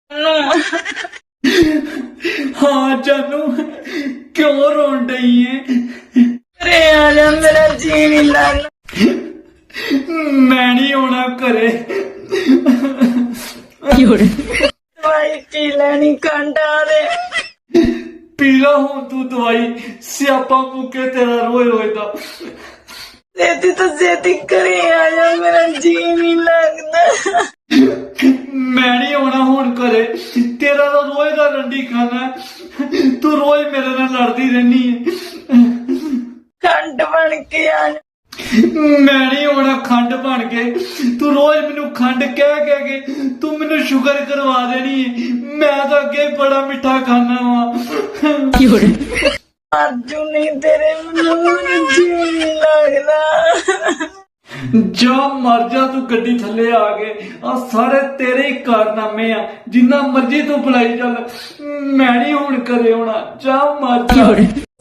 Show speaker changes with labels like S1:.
S1: हाँ जानू, क्यों रोन रही है?
S2: अरे आजा, मेरा जी नहीं लगना।
S1: मैं नहीं होना करे।
S2: दवाई पी लेनी, कंडा दे।
S1: पीला हूं तू दवाई, स्यापा मुके तेरा रोए रोए दा।
S2: देती तो देती करे, आजा मेरा जी नहीं लगता।
S1: मैं नहीं होना हुन करे, तेरा तो रोए दा रंडी खाना है। तू रोज मेरे नाल लड़दी रहनी है।
S2: खंड बन के आजा।
S1: मैं नहीं होना खंड बन के, तू रोज मैनू खंड कह के तू मैनू शुगर करवा देनी है। मैं तो अगे बड़ा मिठा खाना वा।
S2: अर्जू नहीं तेरे मुंह जी नहीं लगदा।
S1: जा मर जा तू, गड्डी थल्ले आ गए। आ सारे तेरे ही कारनामे आ, जिन्ना मर्जी तू बुलाई चल। मैं नहीं हुन करे होना, जा मर जा।